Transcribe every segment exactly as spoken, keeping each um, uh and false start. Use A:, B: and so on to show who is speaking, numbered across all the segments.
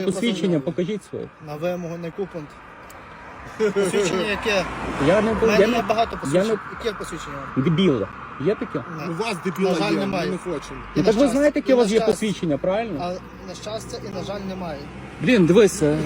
A: Посвідчення покажіть своє.
B: На вимогу не купимо. Посвідчення яке?
A: Я не
B: У мене
A: я
B: є
A: не
B: багато посвідчень.
A: я
B: Яке посвідчення?
A: дебіла. Є таке?
B: Не.
C: У вас дебіла
B: На жаль,
C: є, ми
B: немає.
C: не хочемо.
B: І
A: Ну
B: на
A: так ви
B: щастя,
A: знаєте, яке
B: і
A: у вас
B: на
A: є
B: щастя.
A: посвідчення, правильно?
B: А на щастя і на жаль немає.
A: Блін, дивись. е.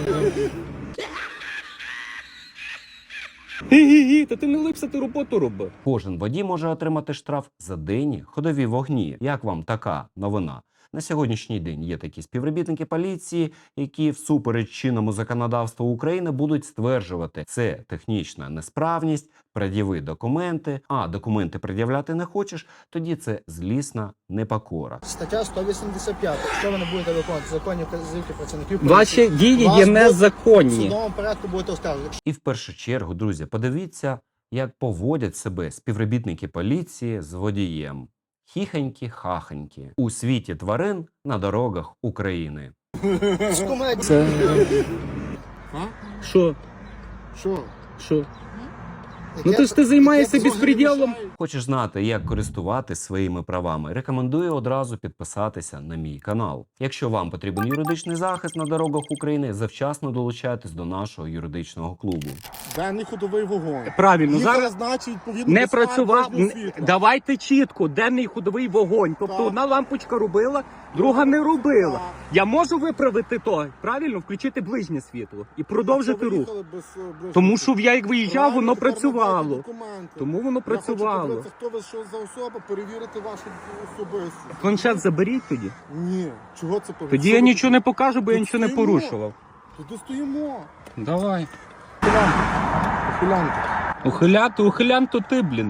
A: Гі-гі-гі, та ти не липся, ти роботу роби.
D: Кожен водій може отримати штраф за денні ходові вогні. Як вам така новина? На сьогоднішній день є такі співробітники поліції, які всупереч чинному законодавству України будуть стверджувати, це технічна несправність, пред'яви документи, а документи пред'являти не хочеш, тоді це злісна непокора.
B: Стаття сто вісімдесят п'ять. Якщо ви не будете виконувати законні вказівки працівників
A: Ваші
B: поліції,
A: дії
B: вас
A: є
B: будуть в
A: незаконні.
B: судовому порядку будете оскаржувати.
D: І в першу чергу, друзі, подивіться, як поводять себе співробітники поліції з водієм. Хіхонькі-хахонькі. У світі тварин на дорогах України.
B: З комедії.
A: Це
C: А?
A: що?
C: Що?
A: Що?
B: Яке-
A: Ну ти ж ти займаєшся
B: яке-
A: безпреділом.
D: Хочеш знати, як користуватися своїми правами? Рекомендую одразу підписатися на мій канал. Якщо вам потрібен юридичний захист на дорогах України, завчасно долучайтесь до нашого юридичного клубу.
C: Денний ходовий вогонь.
A: Правильно,
C: Їх
A: зараз
C: призначить, відповідно
A: не
C: до сфер
A: працював.
C: дорожнього
A: Н-
C: світла.
A: Давайте чітко, денний ходовий вогонь. Тобто
C: Так.
A: одна лампочка робила, друга не робила.
C: Так.
A: Я можу виправити то, правильно, включити ближнє світло і продовжити
C: Що ви
A: рух.
C: їхали без, е, ближнього
A: Тому
C: світла?
A: що я як виїжджав,
C: Правильно,
A: воно
C: тепер надайте
A: працювало.
C: документи.
A: Тому воно
C: Я хочу
A: працювало.
C: подивитися, хто ви що за особа, перевірити вашу особистість.
A: Планшет заберіть тоді.
C: Ні, чого це повинно?
A: Тоді я нічого не покажу, бо я нічого не
C: Стоїмо.
A: порушував.
C: Тоді стоїмо.
A: Давай.
C: Ухилянка.
A: Ухилянт, ухилянт то ти, блін.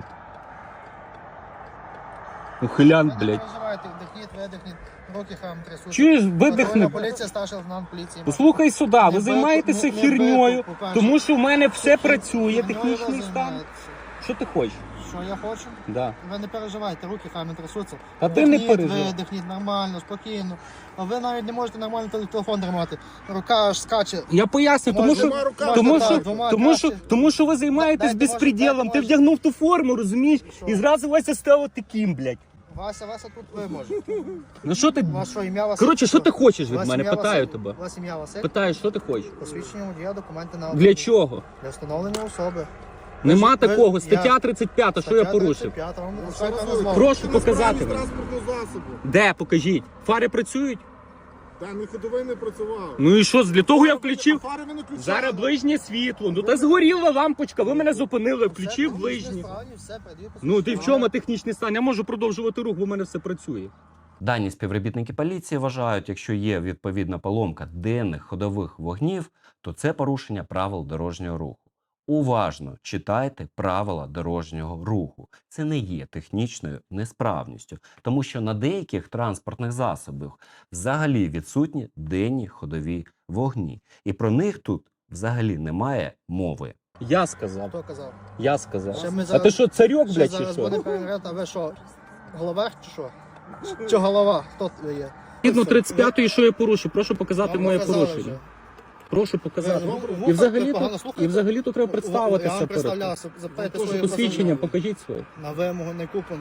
A: Ухилянт,
B: Ви не
A: блядь.
B: переживайте, вдихніть, видихніть, руки хам трясуть.
A: Чуєш, видихни.
B: Патрульна поліція, старший лейтенант поліції.
A: Послухай сюди, ви
B: Не
A: займаєтеся
B: бити, не- не
A: херньою,
B: бити, по-перше.
A: тому що в мене все працює,
B: Херньою
A: технічний
B: ви
A: стан.
B: займаєтеся.
A: Що ти хочеш?
B: Що я хочу?
A: Да.
B: Ви не переживайте, руки хай не трясуться.
A: А ти не
B: Вдихніть,
A: переживай.
B: видихніть нормально, спокійно. А ви навіть не можете нормально теле- телефон тримати. Рука аж скаче.
A: Я поясню, тому
B: Може,
A: що,
C: двома руками,
A: тому,
B: так,
A: що,
B: двома
A: тому, що,
B: краще.
A: тому що ви займаєтесь
B: Дайте, може,
A: безпреділом.
B: дайте,
A: Ти
B: може.
A: вдягнув ту форму, розумієш?
B: Що?
A: І зразу Вася став таким, блядь.
B: Вася, Вася тут ви можете.
A: Ну що ти?
B: Ваше ім'я Василь.
A: Коротше, що ти хочеш від
B: Ваше
A: мене?
B: ім'я
A: Питаю
B: Василь.
A: тебе.
B: Ваше ім'я Василь.
A: Питаю, що ти хочеш?
B: Посвідчення водія, документи на
A: Для чого?
B: Для встановлення особи.
A: Нема
B: Ви-
A: такого.
B: я-
A: Стаття тридцять п'ята, що я
B: Стаття
A: порушив?
B: тридцять п'ята, вам
C: Ще
B: все
C: раз
B: назвав.
A: Прошу
C: говорю,
A: показати
C: несправність
A: мені.
C: транспортного засобу.
A: Де? Покажіть. Фари працюють?
C: Денний ходовий не працював.
A: Ну і що? Для того я включив.
C: А фари ви не включали.
A: Зараз ближнє світло. Ну та згоріла лампочка, ви мене зупинили, включив
B: Все, технічне
A: ближнє.
B: стані, все, передаю
A: Ну ти в
B: посвідчення.
A: чому технічний стан? Я можу продовжувати рух, бо в мене все працює.
D: Дані співробітники поліції вважають, якщо є відповідна поломка денних ходових вогнів, то це порушення правил дорожнього руху. Уважно читайте правила дорожнього руху. Це не є технічною несправністю, тому що на деяких транспортних засобах взагалі відсутні денні ходові вогні. І про них тут взагалі немає мови.
A: Я сказав.
B: Хто казав?
A: Я сказав.
B: Ще ми
A: А
B: зараз-
A: ти що, царьок,
B: Ще
A: блядь, чи
B: зараз
A: що?
B: буде перевіряти, а ви що? Головах чи що? Чи голова? Хто ви є?
A: Згідно тридцять п'ятої, що я порушив? Прошу показати
B: Вам
A: моє
B: показали
A: порушення.
B: вже.
A: Прошу показати.
B: Ви в- в
A: І
B: вухах
A: взагалі
B: ви погано
A: то,
B: слухаєте?
A: і взагалі то треба
B: Я
A: представитися
B: вам
A: перед.
B: представлявся, запитайте своє
A: Посвідчення покажіть своє.
B: На вимогу не купимо.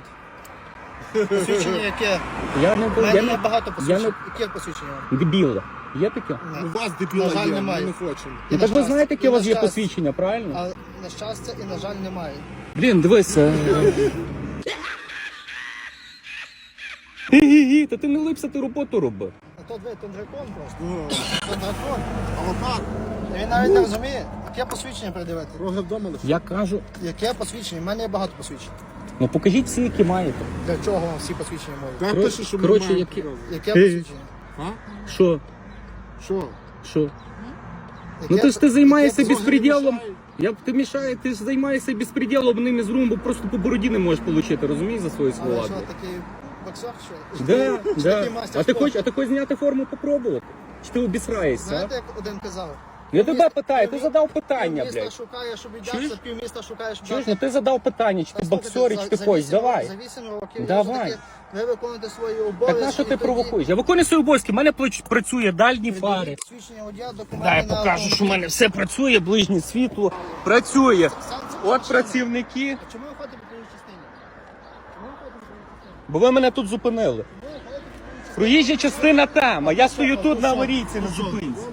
B: Посвідчення яке?
A: Я не
B: У мене
A: я
B: є
A: не
B: багато
A: я
B: посвідчень.
A: не-
B: Яке посвідчення?
A: дебіла. Є таке?
C: У вас дебіла
B: На жаль,
C: є, ми
B: немає.
C: не хочемо.
B: І
A: Ну
B: на
A: так ви
B: щастя,
A: знаєте, яке
B: і
A: у вас
B: на
A: є
B: щастя.
A: посвідчення, правильно?
B: А на щастя і на жаль немає.
A: Блін, дивись. е. Гі-гі-гі, та ти не липся, ти роботу роби.
B: А то ви тундракон просто.
C: Ну,
B: Тундракон.
C: а отак,
B: І він навіть не розуміє, яке посвідчення придивити.
C: роги вдома лише.
A: Я кажу,
B: Яке посвідчення? У мене є багато посвідчень.
A: ну покажіть всі, які маєте.
B: Для чого вам всі посвідчення мої?
C: Де
A: Коротше-
C: пише, що ми
A: коротше,
C: маємо
A: які-
C: показати?
B: Яке
A: Ти-
B: посвідчення?
C: А?
A: Що?
C: Що?
A: Що?
B: Яке-
A: Ну ти ж ти займаєшся
B: яке
A: безпреділом. Як ти мішає, ти ж займаєшся безпреділом одним із румбу, просто по бороді не можеш отримати, розумієш, за свої
B: Але
A: слова.
B: що, такий боксер, що?
A: Да,
B: Чи
A: да.
B: такий мастер
A: А ти
B: спорту?
A: хочеш, а ти хочеш зняти форму попробувати? Чи ти обісраєшся?
B: Знаєте, як один казав?
A: Я тебе питаю, ти
B: Півмі-
A: задав питання,
B: Півміста
A: блядь.
B: шукає, щоб
A: Чуєш?
B: віддався, півміста шукає, щоб
A: Чуєш,
B: дати.
A: ну ти задав питання, чи ти
B: Та слухайте,
A: боксер, чи
B: за-
A: ти
B: за
A: хочеш,
B: вісім
A: давай.
B: років- За вісім років
A: Давай.
B: все-таки ви виконуєте свої обов'язки.
A: Так на що ти
B: і тоді-
A: провокуєш? Я виконую свої обов'язки, в мене плач- працює дальні
B: тоді
A: фари.
B: Свідчення водія, документи
A: Дай я
B: на
A: покажу, що в
B: автомобіль.
A: мене все працює, ближнє світло. Працює.
B: Сам це
A: От
B: причина.
A: працівники.
B: А чому ви ходите по твоїй частині? Чому ви ходите по твоїй частині?
A: Бо ви мене тут зупинили.
B: Чому ви ходите по твоїй частині?
A: Проїжджа частина там, а я стою тут на аварійці, на зупинці.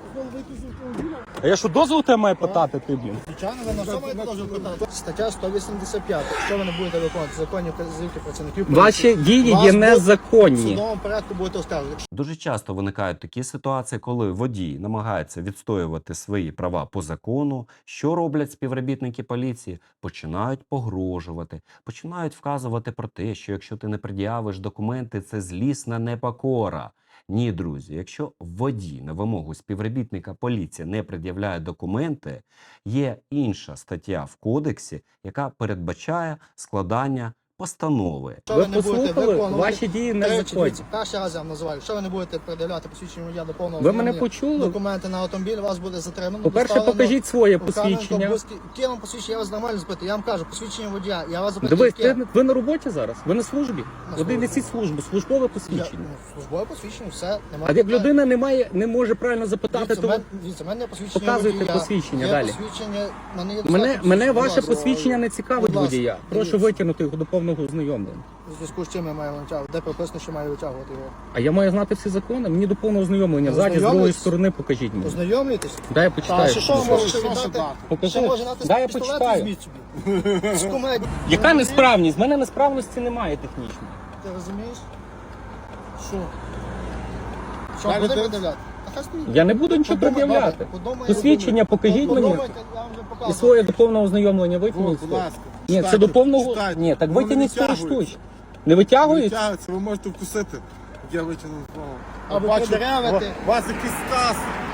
A: А я що, дозвол тебе маю питати, ти, блін?
B: Звичайно, ви на що маєте дозвіл питати? Стаття сто вісімдесят п'ять. Якщо ви не будете виконувати законні вказівки працівників поліції,
A: Ваші дії
B: вас
A: є
B: будуть в
A: незаконні.
B: судовому порядку будете оскаржувати.
D: Дуже часто виникають такі ситуації, коли водій намагається відстоювати свої права по закону. Що роблять співробітники поліції? Починають погрожувати, починають вказувати про те, що якщо ти не пред'явиш документи, це злісна непокора. Ні, друзі, якщо водій на вимогу співробітника поліції не пред'являє документи, є інша стаття в кодексі, яка передбачає складання постанови.
B: Якщо
A: Ви
B: ви не будете
A: послухали?
B: виконувати...
A: Ваші дії
B: Тричі,
A: незаконні.
B: дивіться, перший раз я вам називаю. Якщо ви не будете передавати посвідчення водія до повного
A: Ви мене
B: ознайомлення,
A: почули?
B: документи на автомобіль, вас буде затримано.
A: По-перше,
B: доставлено
A: покажіть своє
B: у Кам'янку,
A: посвідчення.
B: Бузький. Яке вам посвідчення? Я вас нормально запитую. Я вам кажу, посвідчення водія. Я вас запитую,
A: Дивись,
B: яке?
A: ти, ви на роботі зараз? Ви на службі?
B: На
A: Один
B: службі.
A: несіть службу, службове
B: Я,
A: посвідчення.
B: ну, службове посвідчення, все. Немає
A: А як
B: питань.
A: людина не має, не може правильно запитати,
B: Дивіться,
A: то
B: мен- дивіться, в мене є посвідчення
A: Показуйте
B: водія.
A: посвідчення
B: Є
A: далі.
B: посвідчення, в мене, є
A: мене,
B: достатньо
A: мене
B: посвідчень.
A: ваше
B: Будь ласка.
A: посвідчення не цікавить
B: Будь ласка,
A: водія. Прошу
B: дивіться.
A: витягнути його до повного ознайомлення.
B: У зв'язку з чим я маю витягувати? Де прописано, що маю витягувати його?
A: А я маю знати всі закони. Мені до повного ознайомлення. Ззаді, з другої
B: Ознайомитись?
A: сторони покажіть мені.
B: Ознайомлюєтесь?
A: Дай я
B: Та
A: почитаю.
B: що, що ви
C: Що-
B: можете
C: що ще
B: віддати?
C: дати?
A: Покажи.
B: Що може дати
A: Дай я
B: пістолет,
A: почитаю.
B: візьміть собі. З кумедії.
A: Яка несправність? В мене несправності немає технічної.
B: Ти розумієш? Що? Що,
C: Далі
B: буде
C: ти-
B: пред'являти? Та хай стоїть.
A: Я не буду нічого
B: Подумай,
A: пред'являти.
B: добре, подумай,
A: Посвідчення покажіть мені.
B: Подумайте, я вам вже
A: І
B: показував.
A: своє до повного ознайомлення витягніть.
C: Будь ласка.
A: Ні, це
C: читайте,
A: до повного.
C: читайте.
A: Ні, так
C: Воно не
A: витягніть свої
C: витягується.
A: штучки. Не витягують?
C: Витягується, ви можете вкусити. Я витягнув знову.
B: Або
C: Бачу,
B: продеревити.
C: у вас якийсь стас.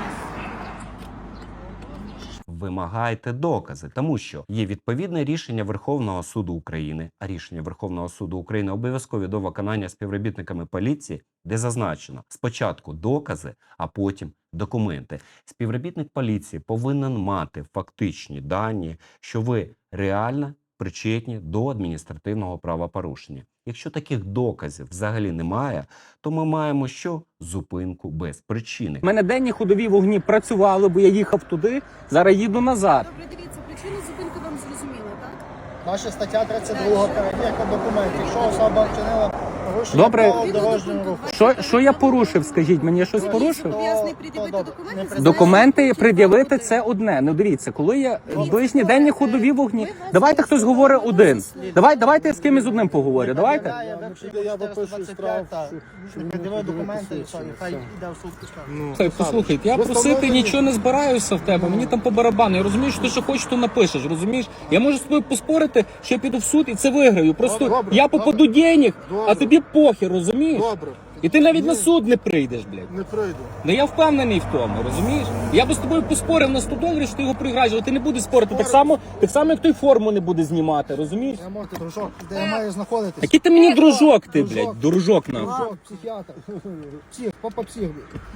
D: Вимагайте докази, тому що є відповідне рішення Верховного суду України, а рішення Верховного суду України обов'язкові до виконання співробітниками поліції, де зазначено спочатку докази, а потім документи. Співробітник поліції повинен мати фактичні дані, що ви реально причетні до адміністративного правопорушення. Якщо таких доказів взагалі немає, то ми маємо що? Зупинку без причини.
A: У мене денні ходові вогні працювали, бо я їхав туди, зараз їду назад.
E: Добре, дивіться, причину зупинки вам зрозуміла, так?
B: Ваша стаття тридцять два, перевірка документів. Якщо особа вчинила порушення
A: Добре.
B: правил дорожнього руху.
A: Що, що я порушив, скажіть мені, я щось
B: Ну,
A: порушив?
E: Зобов'язаний
B: То-
E: пред'явити
B: то добре.
E: документи,
B: Не
E: зазначені
A: Документи
E: в
A: пред'явити
E: кодексі.
A: це одне. Ну дивіться, коли є
E: Дивіться,
A: ближні
E: ви
A: денні
E: вас-
A: ходові вогні.
E: ви вас
A: Давайте хтось
E: розслідували,
A: говорить
E: ви вас
A: один.
E: розслідували.
A: Давай, давайте я з кимось одним поговорю. Давайте.
C: Я випишу штраф, що
B: Не
C: він
B: пред'явив
C: не
B: документи, і
C: підписує,
B: все, і хай
C: все.
B: йде в суд пускай.
C: Ну,
A: Слухай, послухайте, я
C: Ви
A: просити
C: встановлені?
A: нічого не збираюся в тебе. Мені там по барабану. Я розумію, що ти що хочеш, то напишеш. Розумієш? Я можу з тобою поспорити, що я піду в суд і це виграю. Просто
C: Добре,
A: я попаду денег, а
C: Добре.
A: тобі похер, розумієш?
C: Добре,
A: І ти навіть на
C: Ні.
A: суд не прийдеш, блядь.
C: не прийду.
A: Ну я впевнений в тому, розумієш? Я би з тобою поспорив на сто доларів, що ти його програєш, але ти не будеш спорити. Так само, так само, як той форму не буде знімати, розумієш?
B: Я можу, дружок, де я маю знаходитись.
A: Який ти мені дружок, ти,
B: Дружок.
A: блядь, дружок нам.
B: Дружок, психіатр. Псих, попа псих.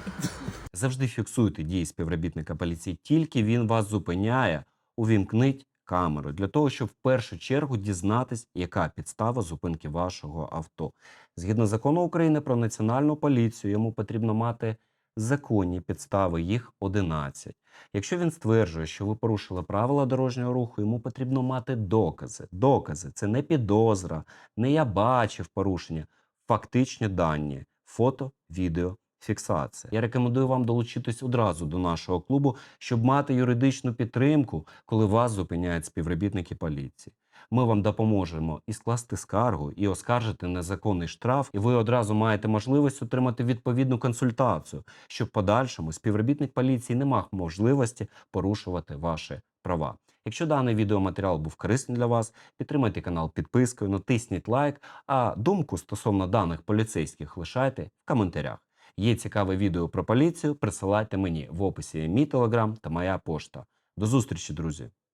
D: Завжди фіксуйте дії співробітника поліції, тільки він вас зупиняє, увімкніть камеру для того, щоб в першу чергу дізнатись, яка підстава зупинки вашого авто. Згідно закону України про національну поліцію, йому потрібно мати законні підстави, їх одинадцять. Якщо він стверджує, що ви порушили правила дорожнього руху, йому потрібно мати докази. Докази – це не підозра, не я бачив порушення, фактичні дані, фото, відео, фіксація. Я рекомендую вам долучитись одразу до нашого клубу, щоб мати юридичну підтримку, коли вас зупиняють співробітники поліції. Ми вам допоможемо і скласти скаргу, і оскаржити незаконний штраф, і ви одразу маєте можливість отримати відповідну консультацію, щоб в подальшому співробітник поліції не мав можливості порушувати ваші права. Якщо даний відеоматеріал був корисний для вас, підтримайте канал підпискою, натисніть лайк, а думку стосовно даних поліцейських лишайте в коментарях. Є цікаве відео про поліцію, присилайте мені в описі мій телеграм та моя пошта. До зустрічі, друзі!